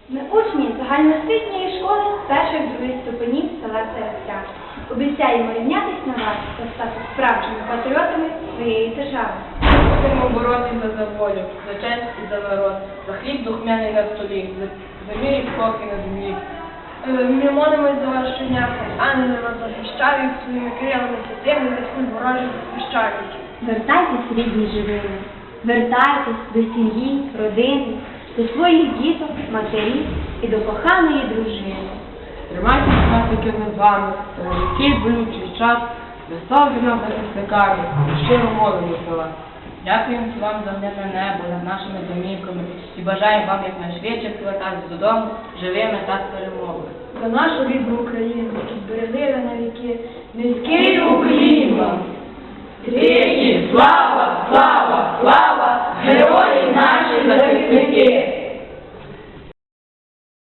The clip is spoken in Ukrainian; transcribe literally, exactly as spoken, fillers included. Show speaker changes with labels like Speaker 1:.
Speaker 1: Ми учні загальноосвітньої школи перших-других ступенів села Цариця. Обіцяємо рівнятись на вас та стати справжніми патріотами своєї держави.
Speaker 2: Будемо боротися за волю, за честь і за народ, за хліб духмяний на столі, за мир і спокій на землі. Ми молимось за вас щодня, ангели вас захищають, своїми крилами святими від куль ворожих захищають.
Speaker 1: Вертайтесь, рідні живими, вертайтесь до сім'ї, родини, до своїх діток, матерів і до коханої дружини.
Speaker 2: Тримайтеся, братики, ми з вами, такий болючий час, веселі нам захисниками, щиро молимо за вас.
Speaker 3: Дякуємо вам за мирне небо над нашими домівками і бажаємо вам якнайшвидше повертатися додому живими та з перемогою.
Speaker 2: За нашу рідну Україну, які зберегли на віки,
Speaker 3: Низький уклін вам! Тричі слава, слава, слава, герої наші захисники!